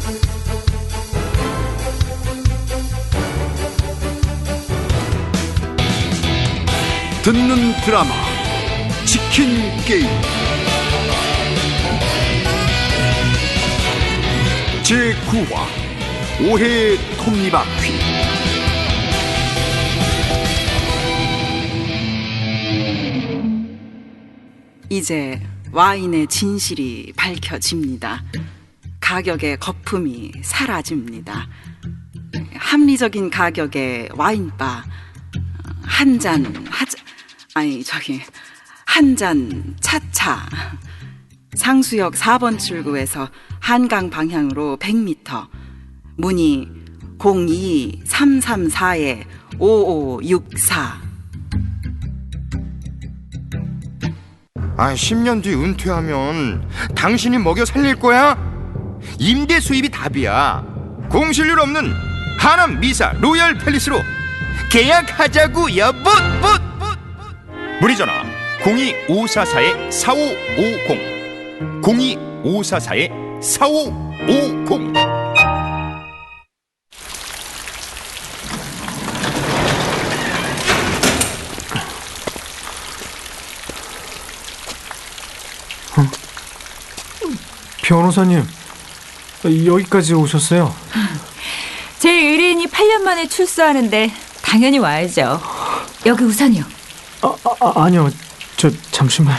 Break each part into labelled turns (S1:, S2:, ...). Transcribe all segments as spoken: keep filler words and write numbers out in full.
S1: 듣는 드라마 치킨 게임 제구 화 오해의 톱니바퀴.
S2: 이제 와인의 진실이 밝혀집니다. 가격의 거품이 사라집니다. 합리적인 가격의 와인바 한 잔 하자 아니 저기 한 잔 차차. 상수역 사 번 출구에서 한강 방향으로 백 미터. 문의 공이 삼삼사 오오육사.
S3: 아, 십 년 뒤 은퇴하면 당신이 먹여 살릴 거야? 임대 수입이 답이야. 공실률 없는 하남 미사 로얄 팰리스로 계약하자고 여보. 문의 전화 공이 오사사 사오오공 공이 오사사 사오오공.
S4: 변호사님, 여기까지 오셨어요?
S5: 제 의뢰인이 팔 년 만에 출소하는데 당연히 와야죠. 여기 우산이요.
S4: 아, 아, 아니요, 저 잠시만.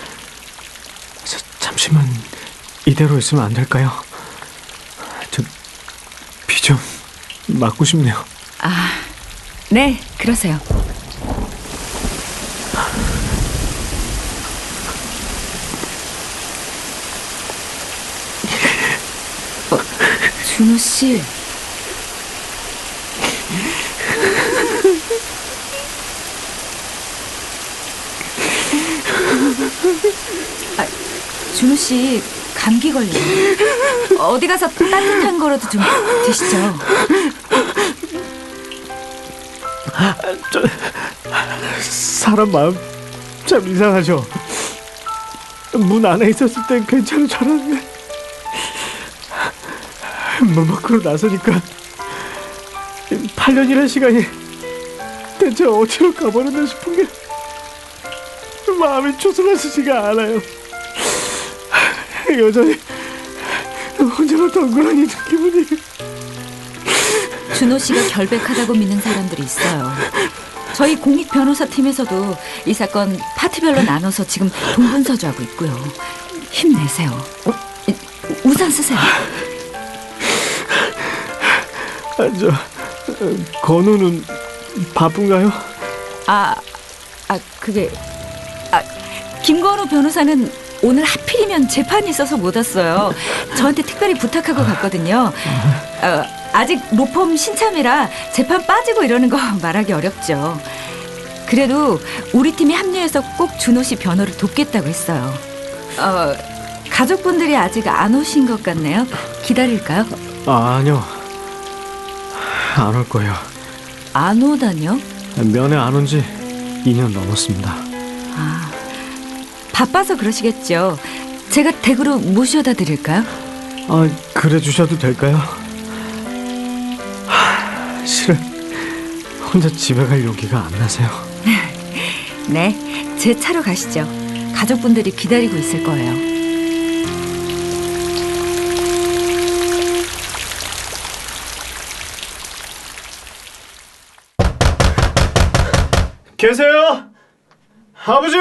S4: 저 잠시만 이대로 있으면 안 될까요? 저 비 좀 맞고 싶네요.
S5: 아, 네, 그러세요. 어, 준호 씨. 아, 준호 씨 감기 걸려요. 어디 가서 따뜻한 거라도 좀 드시죠.
S4: 저, 사람 마음 참 이상하죠. 문 안에 있었을 땐 괜찮은 줄 알았는데 문 밖으로 나서니까 팔 년이라는 시간이 대체 어디로 가버렸나 싶은 게 마음이 초슬라지지가 않아요. 여전히 혼자만 덩그러니 있는 기분이.
S5: 준호 씨가 결백하다고 믿는 사람들이 있어요. 저희 공익 변호사 팀에서도 이 사건 파트별로 나눠서 지금 동분서주하고 있고요. 힘내세요. 어? 우산 쓰세요.
S4: 아, 저 건우는 바쁜가요?
S5: 아, 아 그게 아 김건우 변호사는 오늘 하필이면 재판이 있어서 못 왔어요. 저한테 특별히 부탁하고 갔거든요. 어, 아직 로펌 신참이라 재판 빠지고 이러는 거 말하기 어렵죠. 그래도 우리 팀이 합류해서 꼭 준호 씨 변호를 돕겠다고 했어요. 어, 가족분들이 아직 안 오신 것 같네요. 기다릴까요?
S4: 아, 아니요. 안 올 거예요.
S5: 안 오다뇨?
S4: 면회 안 온 지 이 년 넘었습니다.
S5: 아, 바빠서 그러시겠죠. 제가 댁으로 모셔다 드릴까요?
S4: 아, 그래 주셔도 될까요? 하, 실은 혼자 집에 갈 용기가 안 나세요.
S5: 네, 제 차로 가시죠. 가족분들이 기다리고 있을 거예요.
S4: 계세요? 아버지!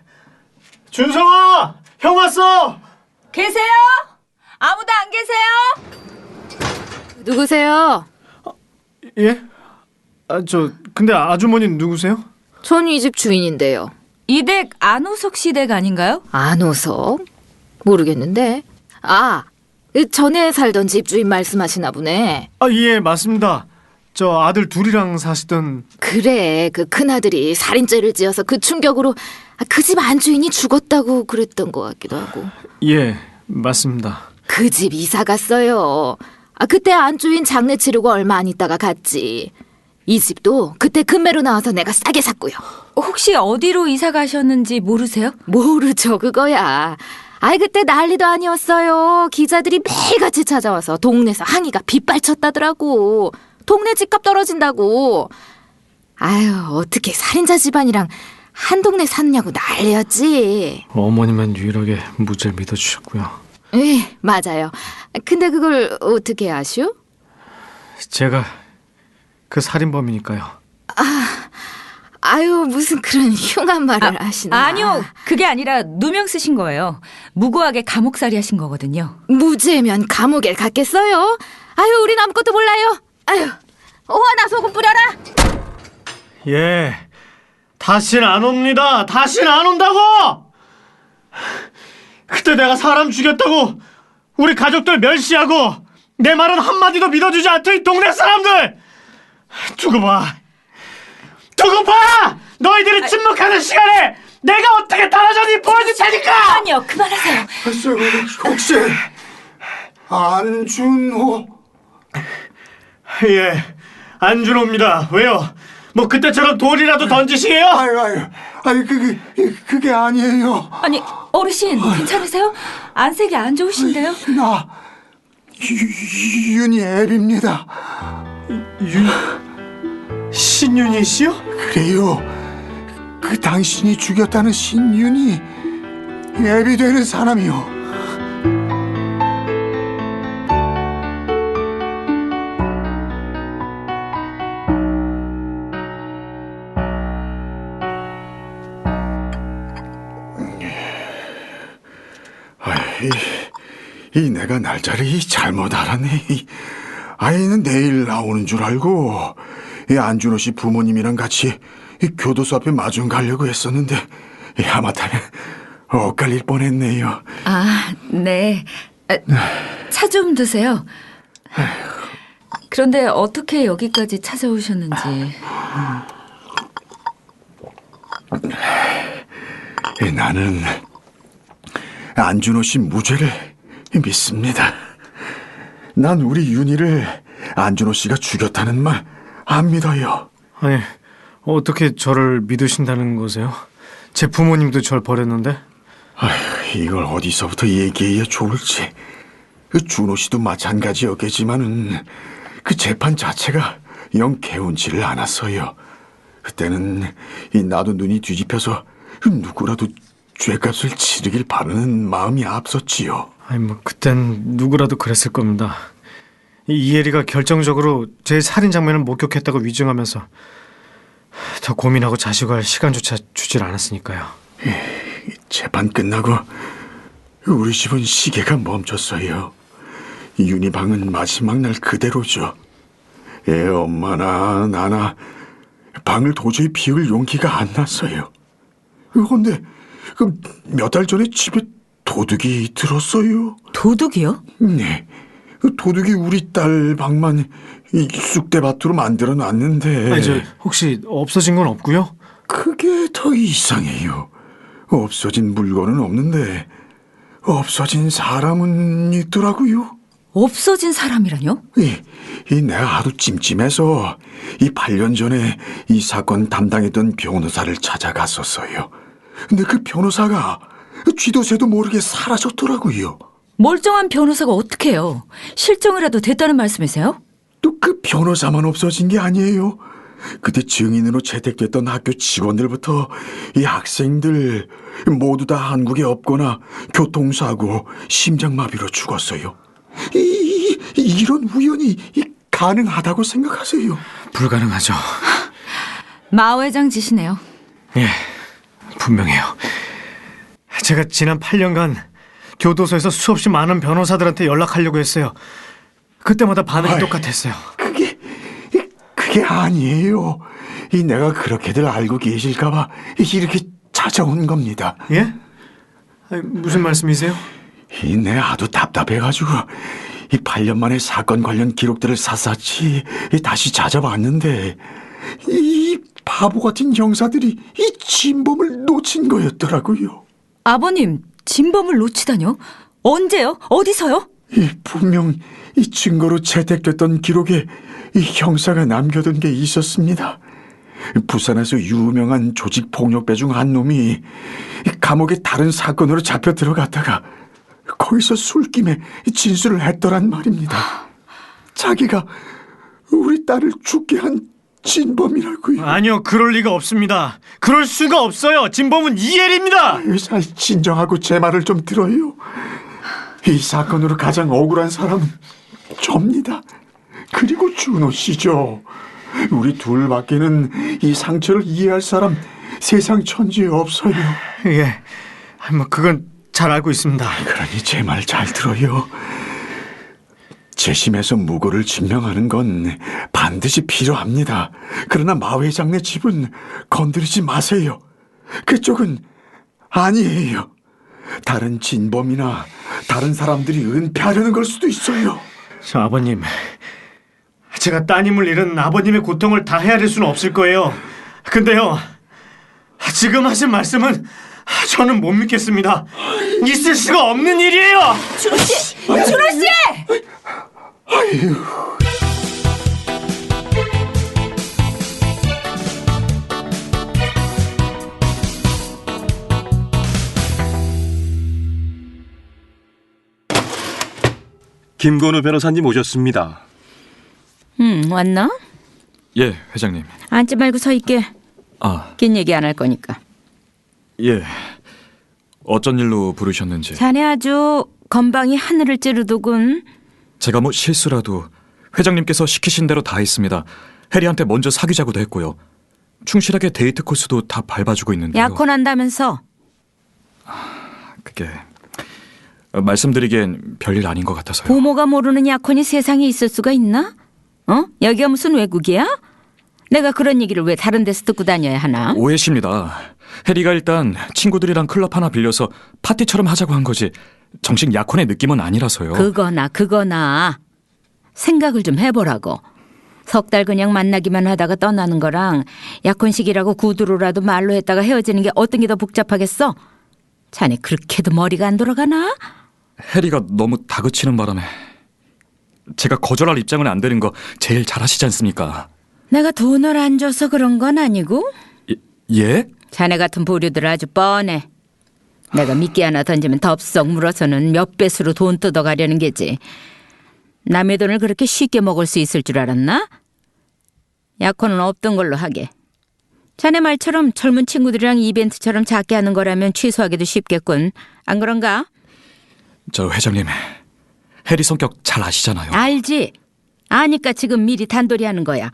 S4: 준성아! 형 왔어!
S5: 계세요? 아무도 안 계세요?
S6: 누구세요?
S4: 예? 아, 저 근데 아주머니는 누구세요?
S6: 전 이 집 주인인데요.
S5: 이 댁 안호석 씨 댁 아닌가요?
S6: 안호석? 모르겠는데. 아, 전에 살던 집주인 말씀하시나 보네.
S4: 아, 예, 맞습니다. 저 아들 둘이랑 사시던.
S6: 그래, 그 큰아들이 살인죄를 지어서 그 충격으로 그 집 안주인이 죽었다고 그랬던 것 같기도 하고.
S4: 예, 맞습니다.
S6: 그 집 이사 갔어요. 아, 그때 안주인 장례 치르고 얼마 안 있다가 갔지. 이 집도 그때 금매로 나와서 내가 싸게 샀고요.
S5: 혹시 어디로 이사 가셨는지 모르세요?
S6: 모르죠, 그거야. 아이 그때 난리도 아니었어요. 기자들이 매일같이 찾아와서 동네에서 항의가 빗발쳤다더라고. 동네 집값 떨어진다고. 아유 어떻게 살인자 집안이랑 한 동네 샀냐고 난리였지.
S4: 어머니만 유일하게 무죄를 믿어주셨고요.
S6: 예, 맞아요. 근데 그걸 어떻게 아슈?
S4: 제가 그 살인범이니까요.
S6: 아유 무슨 그런 흉한 말을 하시나.
S5: 아니요, 그게 아니라 누명 쓰신 거예요. 무고하게 감옥살이 하신 거거든요.
S6: 무죄면 감옥에 갔겠어요? 아유 우린 아무것도 몰라요. 아유 오하나 소금 뿌려라.
S4: 예, 다시는 안 옵니다. 다시는 안 온다고! 그때 내가 사람 죽였다고 우리 가족들 멸시하고 내 말은 한마디도 믿어주지 않던 이 동네 사람들! 두고 봐! 두고 봐! 너희들이 침묵하는 시간에 내가 어떻게 달아졌는지 보여줄 테니까!
S5: 아니요, 그만하세요.
S1: 혹시 안준호?
S4: 예, 안준호입니다. 왜요? 뭐 그때처럼 돌이라도 던지시게요?
S1: 아유 아유 아유 그게 그게 아니에요.
S5: 아니, 어르신 괜찮으세요? 안색이 안 좋으신데요?
S1: 나 유- 윤이 애비입니다.
S4: 윤... 신윤희 씨요?
S1: 그래요. 그 당신이 죽였다는 신윤이 애비 되는 사람이요. 이, 이 내가 날짜를 이 잘못 알았네. 이 아이는 내일 나오는 줄 알고 이 안준호 씨 부모님이랑 같이 이 교도소 앞에 마중 가려고 했었는데 이 하마터면 엇갈릴 뻔했네요.
S5: 아, 네. 차 좀 드세요. 그런데 어떻게 여기까지 찾아오셨는지.
S1: 이 나는 안준호 씨 무죄를 믿습니다. 난 우리 윤희를 안준호 씨가 죽였다는 말 안 믿어요.
S4: 아니, 어떻게 저를 믿으신다는 거세요? 제 부모님도 절 버렸는데?
S1: 아휴, 이걸 어디서부터 얘기해야 좋을지. 그 준호 씨도 마찬가지였겠지만은 그 재판 자체가 영 개운치를 않았어요. 그때는 이 나도 눈이 뒤집혀서 누구라도 죄값을 치르길 바라는 마음이 앞섰지요.
S4: 아니 뭐 그땐 누구라도 그랬을 겁니다. 이 이혜리가 결정적으로 제 살인 장면을 목격했다고 위증하면서 더 고민하고 자식할 시간조차 주질 않았으니까요.
S1: 재판 끝나고 우리 집은 시계가 멈췄어요. 윤희 방은 마지막 날 그대로죠. 애 엄마나 나나 방을 도저히 비울 용기가 안 났어요. 그런데 몇 달 전에 집에 도둑이 들었어요.
S5: 도둑이요?
S1: 네, 그 도둑이 우리 딸 방만 이 쑥대밭으로 만들어 놨는데.
S4: 아니 저 혹시 없어진 건 없고요?
S1: 그게 더 이상해요. 없어진 물건은 없는데 없어진 사람은 있더라고요.
S5: 없어진 사람이라뇨?
S1: 이, 이 내가 하도 찜찜해서 이 팔 년 전에 이 사건 담당했던 변호사를 찾아갔었어요. 근데 그 변호사가 쥐도 새도 모르게 사라졌더라고요.
S5: 멀쩡한 변호사가 어떻게 해요? 실종이라도 됐다는 말씀이세요?
S1: 또 그 변호사만 없어진 게 아니에요. 그때 증인으로 채택됐던 학교 직원들부터 이 학생들 모두 다 한국에 없거나 교통사고, 심장마비로 죽었어요. 이, 이, 이런 우연이 가능하다고 생각하세요?
S4: 불가능하죠.
S5: 마 회장 짓이네요.
S4: 예, 분명해요. 제가 지난 팔 년간 교도소에서 수없이 많은 변호사들한테 연락하려고 했어요. 그때마다 반응이
S1: 아이,
S4: 똑같았어요.
S1: 그게 그게 아니에요. 이 내가 그렇게들 알고 계실까봐 이렇게 찾아온 겁니다.
S4: 예? 아니, 무슨 말씀이세요?
S1: 이 내 아주 답답해가지고 이 팔 년 만에 사건 관련 기록들을 샅샅이 다시 찾아봤는데 이 바보 같은 형사들이 이 진범을 놓친 거였더라고요.
S5: 아버님, 진범을 놓치다뇨? 언제요? 어디서요?
S1: 이 분명 이 증거로 채택됐던 기록에 이 형사가 남겨둔 게 있었습니다. 부산에서 유명한 조직 폭력배 중 한 놈이 감옥에 다른 사건으로 잡혀 들어갔다가 거기서 술김에 진술을 했더란 말입니다. 자기가 우리 딸을 죽게 한 진범이라고요.
S4: 아니요, 그럴 리가 없습니다. 그럴 수가 없어요. 진범은 이엘입니다.
S1: 잘 진정하고 제 말을 좀 들어요. 이 사건으로 가장 억울한 사람은 접니다. 그리고 준호 씨죠. 우리 둘밖에는 이 상처를 이해할 사람 세상 천지에 없어요.
S4: 예, 뭐 그건 잘 알고 있습니다.
S1: 그러니 제 말 잘 들어요. 재심에서 무고를 증명하는 건 반드시 필요합니다. 그러나 마 회장네 집은 건드리지 마세요. 그쪽은 아니에요. 다른 진범이나 다른 사람들이 은폐하려는 걸 수도 있어요.
S4: 저 아버님, 제가 따님을 잃은 아버님의 고통을 다 헤아릴 수는 없을 거예요. 근데요, 지금 하신 말씀은 저는 못 믿겠습니다. 있을 수가 없는 일이에요.
S5: 준호 씨, 준호 씨!
S1: 아유.
S7: 김건우 변호사님 오셨습니다.
S5: 음, 왔나?
S8: 예, 회장님.
S5: 앉지 말고 서 있게.
S8: 아,
S5: 긴 얘기 안 할 거니까.
S8: 예. 어쩐 일로 부르셨는지.
S5: 자네 아주 건방이 하늘을 찌르더군.
S8: 제가 뭐 실수라도 회장님께서 시키신 대로 다 했습니다. 해리한테 먼저 사귀자고도 했고요. 충실하게 데이트 코스도 다 밟아주고 있는데요.
S5: 약혼한다면서.
S8: 그게 말씀드리기엔 별일 아닌 것 같아서요.
S5: 부모가 모르는 약혼이 세상에 있을 수가 있나? 어? 여기가 무슨 외국이야? 내가 그런 얘기를 왜 다른 데서 듣고 다녀야 하나?
S8: 오해십니다. 해리가 일단 친구들이랑 클럽 하나 빌려서 파티처럼 하자고 한 거지 정식 약혼의 느낌은 아니라서요.
S5: 그거나 그거나 생각을 좀 해보라고. 석 달 그냥 만나기만 하다가 떠나는 거랑 약혼식이라고 구두로라도 말로 했다가 헤어지는 게 어떤 게 더 복잡하겠어? 자네 그렇게도 머리가 안 돌아가나?
S8: 해리가 너무 다그치는 바람에 제가 거절할 입장은 안 되는 거 제일 잘하시지 않습니까?
S5: 내가 돈을 안 줘서 그런 건 아니고
S8: 예?
S5: 자네 같은 보류들 아주 뻔해. 내가 미끼 하나 던지면 덥석 물어서는 몇 배수로 돈 뜯어가려는 게지. 남의 돈을 그렇게 쉽게 먹을 수 있을 줄 알았나? 약혼은 없던 걸로 하게. 자네 말처럼 젊은 친구들이랑 이벤트처럼 작게 하는 거라면 취소하기도 쉽겠군. 안 그런가?
S8: 저 회장님, 해리 성격 잘 아시잖아요.
S5: 알지. 아니까 지금 미리 단돌이 하는 거야.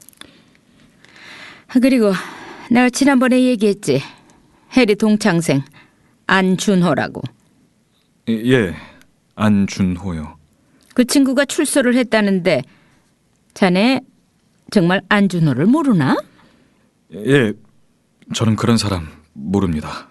S5: 그리고 내가 지난번에 얘기했지. 해리 동창생 안준호라고.
S8: 예, 안준호요.
S5: 그 친구가 출소를 했다는데 자네 정말 안준호를 모르나?
S8: 예, 저는 그런 사람 모릅니다.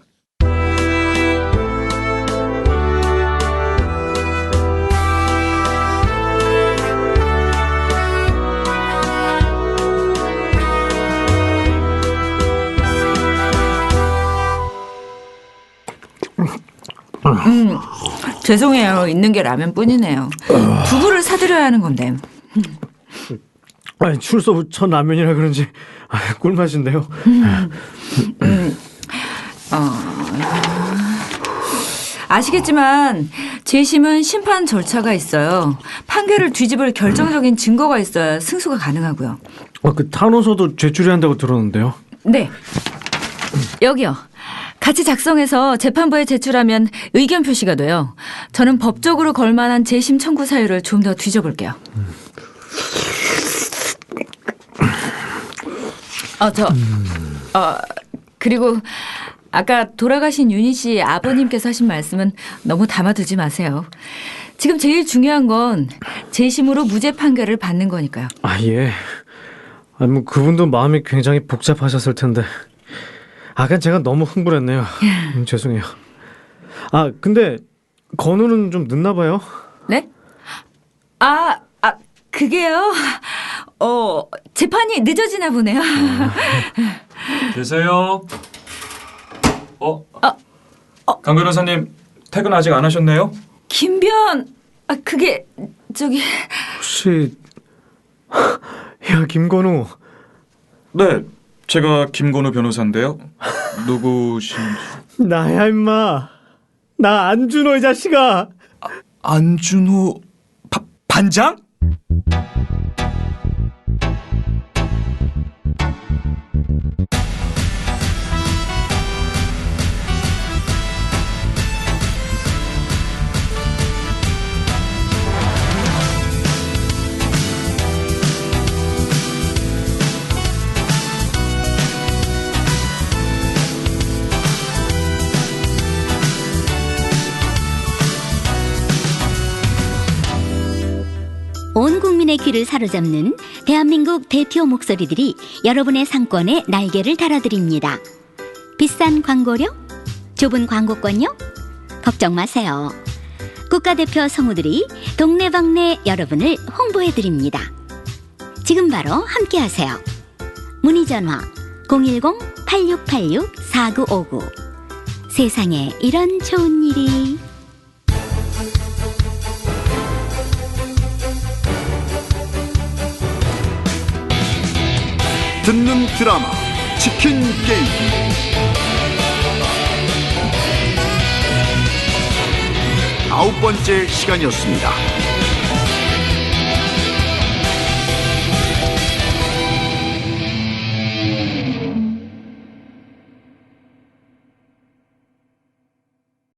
S5: 음, 죄송해요. 있는 게 라면뿐이네요. 두부를 사드려야 하는 건데.
S4: 아니, 출소 후 첫 라면이라 그런지 아, 꿀맛인데요.
S5: 음, 음, 어, 아시겠지만 재심은 심판 절차가 있어요. 판결을 뒤집을 결정적인 증거가 있어야 승소가 가능하고요.
S4: 어, 그 탄원서도 제출해야 한다고 들었는데요.
S5: 네. 여기요. 같이 작성해서 재판부에 제출하면 의견 표시가 돼요. 저는 법적으로 걸만한 재심 청구 사유를 좀 더 뒤져볼게요. 어, 저, 어, 그리고 아까 돌아가신 윤희 씨 아버님께서 하신 말씀은 너무 담아두지 마세요. 지금 제일 중요한 건 재심으로 무죄 판결을 받는 거니까요.
S4: 아, 예. 아, 뭐 그분도 마음이 굉장히 복잡하셨을 텐데. 아, 그냥 제가 너무 흥분했네요. 음, 죄송해요. 아, 근데 건우는 좀 늦나 봐요.
S5: 네? 아, 아, 그게요. 어, 재판이 늦어지나 보네요.
S8: 계세요? 어?
S5: 어, 어.
S8: 강 변호사님 퇴근 아직 안 하셨네요?
S5: 김변, 아, 그게 저기
S4: 혹시 야, 김건우.
S8: 네, 제가 김건우 변호사인데요. 누구신지?
S4: 나야 임마. 나 안준호 이 자식아.
S8: 안준호 바, 반장?
S9: 온 국민의 귀를 사로잡는 대한민국 대표 목소리들이 여러분의 상권에 날개를 달아드립니다. 비싼 광고료? 좁은 광고권요? 걱정 마세요. 국가대표 성우들이 동네방네 여러분을 홍보해드립니다. 지금 바로 함께하세요. 문의전화 공일공 팔육팔육 사구오구. 세상에 이런 좋은 일이.
S1: 듣는 드라마 치킨 게임 아홉 번째 시간이었습니다.